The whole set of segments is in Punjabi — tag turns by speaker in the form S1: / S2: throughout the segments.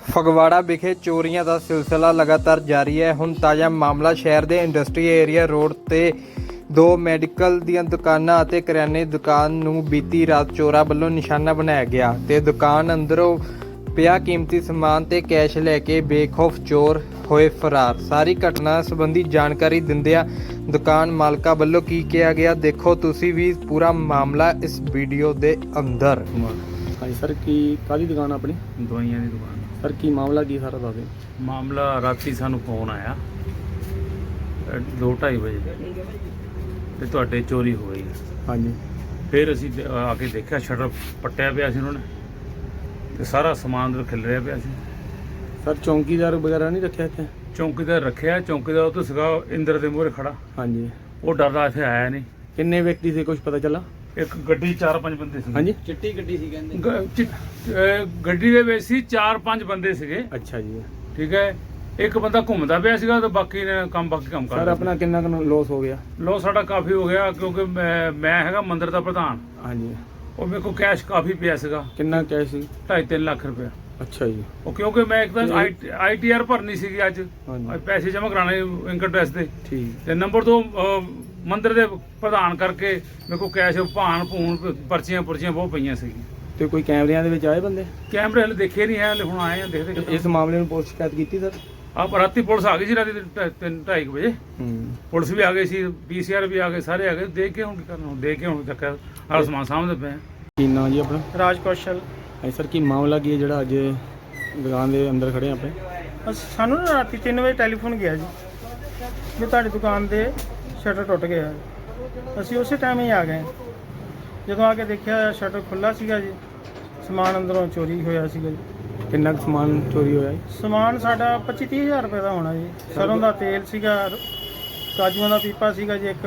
S1: ਫਗਵਾੜਾ ਵਿਖੇ ਚੋਰੀਆਂ ਦਾ ਸਿਲਸਿਲਾ ਲਗਾਤਾਰ ਜਾਰੀ ਹੈ। ਹੁਣ ਤਾਜ਼ਾ ਮਾਮਲਾ ਸ਼ਹਿਰ ਦੇ ਇੰਡਸਟਰੀ ਏਰੀਆ ਰੋਡ ਤੇ ਦੋ ਮੈਡੀਕਲ ਦੀਆਂ ਦੁਕਾਨਾਂ ਅਤੇ ਕਰਿਆਨੇ ਦੀ ਦੁਕਾਨ ਨੂੰ ਬੀਤੀ ਰਾਤ ਚੋਰਾਂ ਵੱਲੋਂ ਨਿਸ਼ਾਨਾ ਬਣਾਇਆ ਗਿਆ ਤੇ ਦੁਕਾਨ ਅੰਦਰੋਂ ਪਿਆ ਕੀਮਤੀ ਸਮਾਨ ਤੇ ਕੈਸ਼ ਲੈ ਕੇ ਬੇਖੌਫ ਚੋਰ ਹੋਏ ਫਰਾਰ। ਸਾਰੀ ਘਟਨਾ ਸੰਬੰਧੀ ਜਾਣਕਾਰੀ ਦਿੰਦਿਆਂ ਦੁਕਾਨ ਮਾਲਕਾਂ ਵੱਲੋਂ ਕੀ ਕਿਹਾ ਗਿਆ, ਦੇਖੋ ਤੁਸੀਂ ਵੀ ਪੂਰਾ ਮਾਮਲਾ ਇਸ ਵੀਡੀਓ ਦੇ ਅੰਦਰ।
S2: ਹਾਂਜੀ ਸਰ, ਕੀ ਕਾਹਦੀ ਦੁਕਾਨ ਆਪਣੀ?
S3: ਦਵਾਈਆਂ ਦੀ ਦੁਕਾਨ।
S2: ਸਰ ਕੀ ਮਾਮਲਾ ਕੀ ਸਾਰਾ ਦੱਸ ਦਿਓ।
S3: ਮਾਮਲਾ ਰਾਤੀ ਸਾਨੂੰ ਫੋਨ ਆਇਆ 2:30 ਵਜੇ ਤੇ ਤੁਹਾਡੇ ਚੋਰੀ ਹੋ ਗਈ।
S2: ਹਾਂਜੀ,
S3: ਫਿਰ ਅਸੀਂ ਆ ਕੇ ਦੇਖਿਆ ਸ਼ਟਰ ਪੱਟਿਆ ਪਿਆ ਸੀ ਉਹਨਾਂ ਨੇ ਤੇ ਸਾਰਾ ਸਮਾਨ ਅੰਦਰ ਖਿਲ ਰਿਹਾ ਪਿਆ ਸੀ।
S2: ਸਰ ਚੌਂਕੀਦਾਰ ਵਗੈਰਾ ਨਹੀਂ ਰੱਖਿਆ ਇੱਥੇ?
S3: ਚੌਂਕੀਦਾਰ ਰੱਖਿਆ, ਚੌਂਕੀਦਾਰ ਉੱਥੇ ਸੀਗਾ ਇੰਦਰ ਦੇ ਮੂਹਰੇ ਖੜਾ।
S2: ਹਾਂਜੀ,
S3: ਉਹ ਡਰਦਾ ਇੱਥੇ ਆਇਆ ਨਹੀਂ।
S2: ਕਿੰਨੇ ਵਿਅਕਤੀ ਸੀ, ਕੁਝ ਪਤਾ ਚੱਲਾ?
S3: ਇੱਕ ਗੱਡੀ 4-5 ਬੰਦੇ ਸੀ।
S2: ਹਾਂਜੀ,
S1: ਚਿੱਟੀ ਗੱਡੀ ਸੀ ਕਹਿੰਦੇ।
S3: ਗੱਡੀ ਦੇ ਵਿੱਚ ਸੀ 4-5 ਬੰਦੇ ਸੀਗੇ।
S2: ਅੱਛਾ ਜੀ।
S3: ਠੀਕ ਹੈ, ਇੱਕ ਬੰਦਾ ਘੁੰਮਦਾ ਪਿਆ ਸੀਗਾ ਤੇ ਬਾਕੀ ਨੇ ਬਾਕੀ ਕੰਮ ਕਰ
S2: ਸਰ ਆਪਣਾ ਕਿੰਨਾ ਕੁ ਲੋਸ ਹੋ ਗਿਆ?
S3: ਲੋ ਸਾਡਾ ਕਾਫੀ ਹੋ ਗਿਆ ਕਿਉਂਕਿ ਮੈਂ ਹੈਗਾ ਮੰਦਿਰ ਦਾ ਪ੍ਰਧਾਨ।
S2: ਹਾਂਜੀ,
S3: ਉਹ ਮੇਰੇ ਕੋਲ ਕੈਸ਼ ਕਾਫੀ ਪਿਆ ਸੀਗਾ,
S2: ਕਿੰਨਾ ਕੈਸ਼ ਸੀ?
S3: 2.5-3 ਲੱਖ ਰੁਪਇਆ।
S2: ਅੱਛਾ ਜੀ।
S3: ਉਹ ਕਿਉਂਕਿ ਮੈਂ ਇੱਕ ਤਾਂ ITR ਭਰਨੀ ਸੀਗੀ ਅੱਜ,
S2: ਹਾਂਜੀ,
S3: ਪੈਸੇ ਜਮ੍ਹਾਂ ਕਰਾਣੇ ਇਨਕਮ ਟੈਕਸ ਦੇ।
S2: ਠੀਕ।
S3: ਤੇ ਨੰਬਰ 2 ਮੰਦਿਰ ਦੇ ਪ੍ਰਧਾਨ ਕਰਕੇ ਮੇਰੇ ਕੋਲ ਕੈਸ਼ ਭਾਣ ਭੂਣ ਪਰਚੀਆਂ ਬਹੁਤ ਪਈਆਂ ਸੀਗੀਆਂ।
S2: ਤੇ ਕੋਈ ਕੈਮਰਿਆਂ ਦੇ ਵਿੱਚ ਆਏ ਬੰਦੇ?
S3: ਕੈਮਰੇ ਹਲੇ ਦੇਖੇ ਨਹੀਂ ਹੈ, ਹਲੇ ਹੁਣ ਆਏ ਆ ਦੇਖਦੇ।
S2: ਇਸ ਮਾਮਲੇ ਨੂੰ ਪੁਲਿਸ ਸ਼ਿਕਾਇਤ ਕੀਤੀ ਸਰ?
S3: ਆਪ ਰਾਤੀ ਪੁਲਿਸ ਆ ਗਈ ਸੀ, ਰਾਤੀ 3-2:30 ਵਜੇ ਪੁਲਿਸ ਵੀ ਆ ਗਈ ਸੀ, PCR ਵੀ ਆ ਗਏ, ਸਾਰੇ ਆ ਗਏ। ਦੇਖ ਕੇ ਹੁਣ ਕੀ ਕਰਨਾ, ਦੇਖ ਕੇ ਹੁਣ ਚੱਕਰ ਆਹ ਸਮਾਨ ਸਾਹਮਣੇ ਪਿਆ।
S2: ਕੀ ਨਾਂ ਜੀ ਆਪਣਾ?
S4: ਰਾਜ ਕੌਸ਼ਲ।
S2: ਹਾਂਜੀ ਸਰ, ਕੀ ਮਾਮਲਾ ਕੀ ਹੈ ਜਿਹੜਾ ਅੱਜ ਦੁਕਾਨ ਦੇ ਅੰਦਰ ਖੜੇ ਆਪਾਂ?
S4: ਸਾਨੂੰ ਨਾ ਰਾਤੀ 3 ਵਜੇ ਟੈਲੀਫੋਨ ਗਿਆ ਜੀ ਵੀ ਤੁਹਾਡੀ ਦੁਕਾਨ ਦੇ ਸ਼ਟਰ ਟੁੱਟ ਗਿਆ। ਅਸੀਂ ਉਸੇ ਟਾਈਮ ਹੀ ਆ ਗਏ। ਜਦੋਂ ਆ ਕੇ ਦੇਖਿਆ ਸ਼ਟਰ ਖੁੱਲ੍ਹਾ ਸੀਗਾ ਜੀ, ਸਮਾਨ ਅੰਦਰੋਂ ਚੋਰੀ ਹੋਇਆ ਸੀਗਾ ਜੀ।
S2: ਕਿੰਨਾ ਕੁ ਸਮਾਨ ਚੋਰੀ ਹੋਇਆ ਜੀ?
S4: ਸਮਾਨ ਸਾਡਾ 25-30 ਹਜ਼ਾਰ ਰੁਪਏ ਦਾ ਹੋਣਾ ਜੀ। ਸਰੋਂ ਦਾ ਤੇਲ ਸੀਗਾ, ਕਾਜੂਆਂ ਦਾ ਪੀਪਾ ਸੀਗਾ ਜੀ,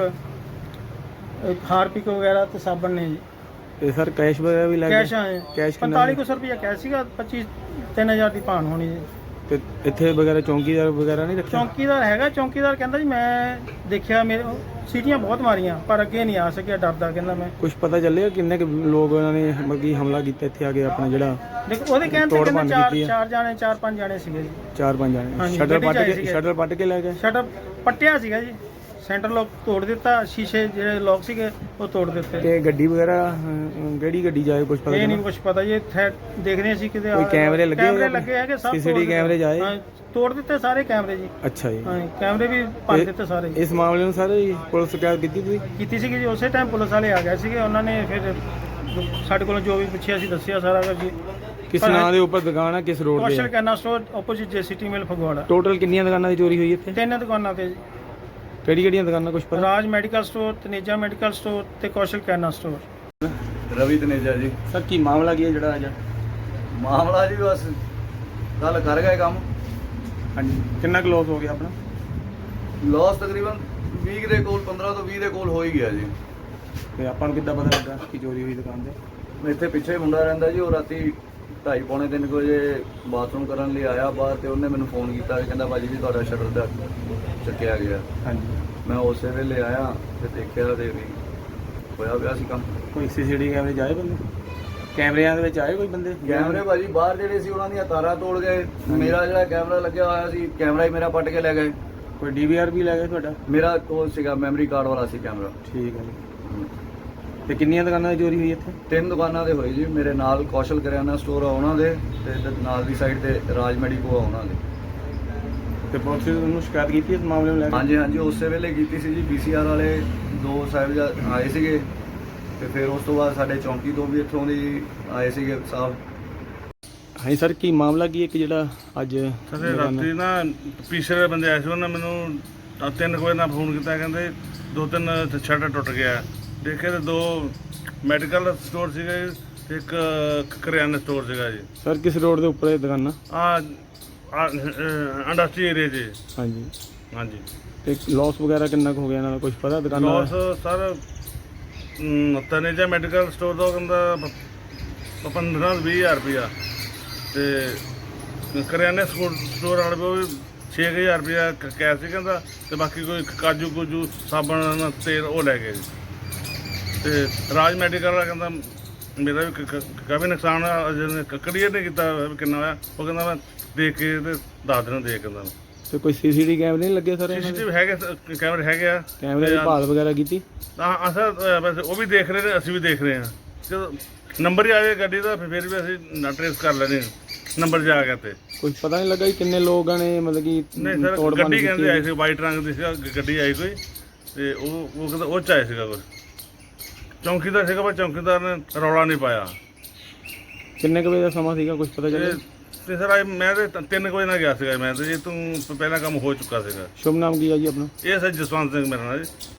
S4: ਇੱਕ ਹਾਰਪਿਕ ਵਗੈਰਾ ਤੇ ਸਾਬਣ ਨੇ ਜੀ।
S2: ਤੇ ਸਰ ਕੈਸ਼ ਵਗੈਰਾ ਵੀ ਲੈ ਗਏ?
S4: ਕੈਸ਼ ਆਏ
S2: ਕੈਸ਼ ਕਿੰਨਾ?
S4: 4500 ਰੁਪਇਆ ਕੈਸ਼ ਸੀਗਾ, 25-3000 ਦੀ ਭਾਣ ਹੋਣੀ ਜੀ।
S2: ਤੇ ਇੱਥੇ ਵਗੈਰਾ ਚੌਂਕੀਦਾਰ ਵਗੈਰਾ ਨਹੀਂ ਰੱਖਿਆ?
S4: ਚੌਂਕੀਦਾਰ ਹੈਗਾ, ਚੌਂਕੀਦਾਰ ਕਹਿੰਦਾ ਜੀ ਮੈਂ ਦੇਖਿਆ, ਮੇਰੇ ਸੀਟੀਆਂ ਬਹੁਤ ਮਾਰੀਆਂ ਪਰ ਅੱਗੇ ਨਹੀਂ ਆ ਸਕਿਆ, ਡਰਦਾ ਕਹਿੰਦਾ ਮੈਂ।
S2: ਕੁਝ ਪਤਾ ਚੱਲਿਆ ਕਿੰਨੇ ਕੁ ਲੋਕ ਉਹਨਾਂ ਨੇ ਮਤਲਬ ਕਿ ਹਮਲਾ ਕੀਤਾ ਇੱਥੇ ਆ ਕੇ ਆਪਣਾ ਜਿਹੜਾ?
S4: ਦੇਖੋ ਉਹਦੇ ਕਹਿਣ ਤੇ
S2: ਤੋੜ
S4: ਕਹਿੰਦੇ
S2: ਭੰਨ ਕੀਤੀ ਹੈ।
S4: 4-5 ਜਾਣੇ ਸੀਗੇ ਜੀ।
S2: 4-5 ਜਾਣੇ
S4: ਹਾਂਜੀ,
S2: ਸ਼ਟਰ
S4: ਗੱਡੀ 'ਚ ਆਏ
S2: ਪੱਟ ਕੇ
S4: ਸੀਗੇ।
S2: ਸ਼ਟਰ ਪੱਟ ਕੇ ਲੈ ਗਏ?
S4: ਸ਼ਟਰ ਪੱਟਿਆ ਸੀਗਾ ਜੀ, ਸੈਂਟਰ ਲੋਕ ਤੋੜ ਦਿੱਤਾ, ਸ਼ੀਸ਼ੇ ਜਿਹੜੇ ਲੋਕ ਸੀਗੇ ਉਹ ਤੋੜ ਦਿੱਤੇ।
S2: ਤੇ ਗੱਡੀ ਵਗੈਰਾ ਕਿਹੜੀ ਗੱਡੀ ਜਾਏ ਕੁਝ ਪਤਾ
S4: ਇਹ ਨਹੀਂ
S2: ਚੱਲਾ?
S4: ਕੁਝ ਪਤਾ ਜੀ। ਦੇਖਦੇ ਸੀ ਕਿਤੇ
S2: ਕੋਈ ਕੈਮਰੇ ਲੱਗੇ ਹੋਏ?
S4: ਕੈਮਰੇ ਲੱਗੇ ਹੈਗੇ, ਸਭ
S2: CCTV ਕੈਮਰੇ ਜਾਏ?
S4: ਹਾਂ, ਤੋੜ ਦਿੱਤੇ ਸਾਰੇ ਕੈਮਰੇ ਜੀ।
S2: ਅੱਛਾ ਜੀ।
S4: ਹਾਂ, ਕੈਮਰੇ ਵੀ ਭੰਨ ਦਿੱਤੇ ਸਾਰੇ।
S2: ਇਸ ਮਾਮਲੇ ਨੂੰ ਸਾਰੇ ਪੁਲਿਸ ਸ਼ਿਕਾਇਤ ਕੀਤੀ ਤੁਸੀਂ?
S4: ਕੀਤੀ ਸੀਗੀ ਜੀ, ਉਸੇ ਟਾਈਮ ਪੁਲਿਸ ਵਾਲੇ ਆ ਗਏ ਸੀਗੇ। ਉਹਨਾਂ ਨੇ ਫਿਰ ਸਾਡੇ ਕੋਲੋਂ ਜੋ ਵੀ ਪੁੱਛਿਆ ਸੀ ਦੱਸਿਆ ਸਾਰਾ ਕੁਝ ਜੀ।
S2: ਕਿਸ ਨਾਂ ਦੇ ਉੱਪਰ ਦੁਕਾਨ ਹੈ, ਕਿਸ ਰੋਡ
S4: ਕੌਸ਼ਲ
S2: ਤੇ?
S4: ਕੈਨਾ store opposite JCT mill Phagwara.
S2: Total ਕਿੰਨੀਆਂ ਦੁਕਾਨਾਂ ਦੀ ਚੋਰੀ ਹੋਈ ਇੱਥੇ?
S4: 3 ਦੁਕਾਨਾਂ ਤੇ ਜੀ।
S2: ਕਿਹੜੀਆਂ ਦੁਕਾਨਾਂ ਕੁਝ ਪਤਾ?
S4: Raj medical store, Taneja medical store ਤੇ ਕੌਸ਼ਲ ਕੈਨਾ ਸਟੋਰ।
S5: ਰਵੀ ਤਨੇਜਾ ਜੀ।
S2: ਸਰ ਕੀ ਮਾਮਲਾ ਕੀ ਹੈ ਜਿਹੜਾ ਅੱਜ?
S5: ਮਾਮਲਾ ਜੀ ਬਸ ਕੱਲ ਕਰ ਗਏ ਕੰਮ।
S2: ਹਾਂਜੀ, ਕਿੰਨਾ ਕੁ ਲੋਸ ਹੋ ਗਿਆ ਆਪਣਾ?
S5: ਲਾਸ ਤਕਰੀਬਨ 20 ਦੇ ਕੋਲ, 15 ਤੋਂ 20 ਦੇ ਕੋਲ ਹੋ ਹੀ ਗਿਆ ਜੀ।
S2: ਤੇ ਆਪਾਂ ਨੂੰ ਕਿੱਦਾਂ ਪਤਾ ਲੱਗਾ ਕਿ ਚੋਰੀ ਹੋਈ ਦੁਕਾਨ ਤੇ?
S5: ਇੱਥੇ ਪਿੱਛੇ ਮੁੰਡਾ ਰਹਿੰਦਾ ਜੀ, ਉਹ ਰਾਤੀ 2:30-3 ਵਜੇ ਬਾਥਰੂਮ ਕਰਨ ਲਈ ਆਇਆ ਬਾਹਰ, ਤੇ ਉਹਨੇ ਮੈਨੂੰ ਫੋਨ ਕੀਤਾ, ਕਹਿੰਦਾ ਭਾਜੀ ਜੀ ਤੁਹਾਡਾ ਸ਼ਟਰ ਦਾ ਚੱਕਿਆ ਗਿਆ।
S2: ਹਾਂਜੀ,
S5: ਮੈਂ ਉਸੇ ਵੇਲੇ ਆਇਆ ਤੇ ਦੇਖਿਆ ਤੇ ਵੀ ਹੋਇਆ ਪਿਆ ਸੀ ਕੰਮ।
S2: ਕੋਈ CCTV ਕੈਮਰੇ ਜਾਏ ਬੰਦੇ? ਕੈਮਰਿਆਂ ਦੇ ਵਿੱਚ ਆਏ ਕੋਈ ਬੰਦੇ?
S5: ਕੈਮਰੇ ਭਾਜੀ ਬਾਹਰ ਜਿਹੜੇ ਸੀ ਉਹਨਾਂ ਦੀਆਂ ਤਾਰਾਂ ਤੋੜ ਗਏ। ਮੇਰਾ ਜਿਹੜਾ ਕੈਮਰਾ ਲੱਗਿਆ ਹੋਇਆ ਸੀ, ਕੈਮਰਾ ਹੀ ਮੇਰਾ ਪੱਟ ਕੇ ਲੈ ਗਏ।
S2: ਕੋਈ DVR ਵੀ ਲੈ ਗਏ ਤੁਹਾਡਾ?
S5: ਮੇਰਾ ਕੋਲ ਸੀਗਾ, ਮੈਮਰੀ ਕਾਰਡ ਵਾਲਾ ਸੀ ਕੈਮਰਾ।
S2: ਠੀਕ ਹੈ ਜੀ। ਤੇ ਕਿੰਨੀਆਂ ਦੁਕਾਨਾਂ ਦੀ ਚੋਰੀ ਹੋਈ ਇੱਥੇ?
S5: 3 ਦੁਕਾਨਾਂ ਦੇ ਹੋਈ ਜੀ। ਮੇਰੇ ਨਾਲ ਕੌਸ਼ਲ ਕਰਿਆਨਾ ਸਟੋਰ ਆ ਉਹਨਾਂ ਦੇ, ਤੇ ਨਾਲ ਦੀ ਸਾਈਡ ਤੇ ਰਾਜ ਮੈਡੀਕੋ ਆ ਉਹਨਾਂ ਦੇ।
S2: ਤੇ ਪੁਲਿਸ ਨੂੰ ਸ਼ਿਕਾਇਤ ਕੀਤੀ ਇਸ ਮਾਮਲੇ ਨੂੰ ਲੈ ਕੇ?
S5: ਹਾਂਜੀ, ਉਸੇ ਵੇਲੇ ਕੀਤੀ ਸੀ ਜੀ। BCR ਵਾਲੇ 2 ਸਾਹਿਬ ਆਏ ਸੀਗੇ, ਤੇ ਫਿਰ ਉਸ ਤੋਂ ਬਾਅਦ ਸਾਡੇ ਚੌਂਕੀ ਤੋਂ ਵੀ ਇੱਥੋਂ ਦੀ ਆਏ ਸੀਗੇ ਸਾਹਿਬ।
S2: ਹਾਂਜੀ ਸਰ, ਕੀ ਮਾਮਲਾ ਕੀ ਹੈ ਕਿ ਜਿਹੜਾ ਅੱਜ
S3: ਸਾਡੇ ਰਾਤੀ ਨਾ ਪੀਛੇ ਬੰਦੇ ਆਏ ਸੀ, ਉਹਨਾਂ ਮੈਨੂੰ 3 ਵਜੇ ਨਾਲ ਫੋਨ ਕੀਤਾ, ਕਹਿੰਦੇ 2-3 ਸ਼ਟਰ ਟੁੱਟ ਗਿਆ। ਦੇਖੇ ਤੇ 2 ਮੈਡੀਕਲ ਸਟੋਰ ਸੀਗੇ, ਇੱਕ ਕਰਿਆਨਾ ਸਟੋਰ ਸੀਗਾ ਜੀ।
S2: ਸਰ ਕਿਸ ਰੋਡ ਦੇ ਉੱਪਰ ਇਹ ਦੁਕਾਨਾਂ?
S3: ਇੰਡਸਟਰੀ ਏਰੀਆ 'ਚ।
S2: ਹਾਂਜੀ।
S3: ਹਾਂਜੀ।
S2: ਤੇ ਲਾਸ ਵਗੈਰਾ ਕਿੰਨਾ ਕੁ ਹੋ ਗਿਆ ਇਹਨਾਂ ਦਾ, ਕੁਝ ਪਤਾ ਦੁਕਾਨਾਂ ਦਾ?
S3: Loss sir Taneja medical store ਦਾ ਕਹਿੰਦਾ 15-20 ਹਜ਼ਾਰ ਰੁਪਇਆ, ਤੇ ਕਰਿਆਨੇ ਸਟੋਰ ਵਾਲੇ ਕੋਲ 6000 ਰੁਪਇਆ ਕੈਸ਼ ਸੀ ਕਹਿੰਦਾ, ਤੇ ਬਾਕੀ ਕੋਈ ਕਾਜੂ ਕੁਜੂ ਸਾਬਣ ਤੇਲ ਉਹ ਲੈ ਗਏ ਜੀ। ਤੇ ਰਾਜ ਮੈਡੀਕਲ ਵਾਲਾ ਕਹਿੰਦਾ ਮੇਰਾ ਵੀ ਕਾਫੀ ਨੁਕਸਾਨ ਕਲੀਅਰ ਨਹੀਂ ਕੀਤਾ ਵੀ ਕਿੰਨਾ ਹੋਇਆ। ਉਹ ਕਹਿੰਦਾ ਮੈਂ ਦੇਖ ਕੇ ਤੇ ਦੱਸ ਦੇਣਾ ਦੇਖ ਕੇ ਤੁਹਾਨੂੰ।
S2: ਤੇ ਕੋਈ ਸੀਸੀਟੀਵੀ ਕੈਮਰੇ ਨਹੀਂ ਲੱਗੇ ਸਰ ਇਹਨਾਂ ਦੇ?
S3: CCTV ਹੈਗੇ, ਕੈਮਰੇ ਹੈਗੇ ਆ।
S2: ਕੈਮਰੇ ਦੀ ਭਾਲ ਵਗੈਰਾ ਕੀਤੀ?
S3: ਹਾਂ ਸਰ, ਵੈਸੇ ਉਹ ਵੀ ਦੇਖ ਰਹੇ ਨੇ, ਅਸੀਂ ਵੀ ਦੇਖ ਰਹੇ ਹਾਂ। ਜਦੋਂ ਨੰਬਰ ਹੀ ਆ ਜਾਏ ਗੱਡੀ ਦਾ ਫਿਰ ਵੀ ਅਸੀਂ ਨਾ ਟਰੇਸ ਕਰ ਲੈਣੇ ਨੰਬਰ ਜਾ ਗਿਆ ਤੇ।
S2: ਕੁਝ ਪਤਾ ਨਹੀਂ ਲੱਗਾ ਕਿ ਕਿੰਨੇ ਲੋਕਾਂ ਨੇ ਮਤਲਬ ਕਿ
S3: ਨਹੀਂ ਸਰ,
S2: ਤੋੜ ਭੰਨ
S3: ਗੱਡੀ
S2: ਕੀਤੀ
S3: ਕਹਿੰਦੇ ਆਈ ਸੀ, ਵਾਈਟ ਰੰਗ ਦੀ ਸੀਗਾ ਗੱਡੀ ਆਈ ਕੋਈ, ਤੇ ਉਹ ਕਹਿੰਦਾ ਉਹ 'ਚ ਆਇਆ ਸੀਗਾ ਕੁਛ। ਚੌਂਕੀਦਾਰ ਸੀਗਾ ਪਰ ਚੌਂਕੀਦਾਰ ਨੇ ਰੌਲਾ ਨਹੀਂ ਪਾਇਆ।
S2: ਕਿੰਨੇ ਕੁ ਵਜੇ ਦਾ ਸਮਾਂ ਸੀਗਾ, ਕੁਝ ਪਤਾ ਚੱਲਿਆ?
S3: ਤੇ ਸਰ ਮੈਂ ਤੇ 3 ਵਜੇ ਨਾਲ ਗਿਆ ਸੀਗਾ। ਮੈਂ ਤੇ ਇਹ ਤੋਂ ਪਹਿਲਾਂ ਕੰਮ ਹੋ ਚੁੱਕਾ ਸੀਗਾ।
S2: ਸ਼ੁਭ ਨਾਮ ਕੀ ਹੈ ਜੀ ਆਪਣਾ?
S3: ਇਹ ਸਰ ਜਸਵੰਤ ਸਿੰਘ ਮੇਰਾ ਨਾਮ ਜੀ।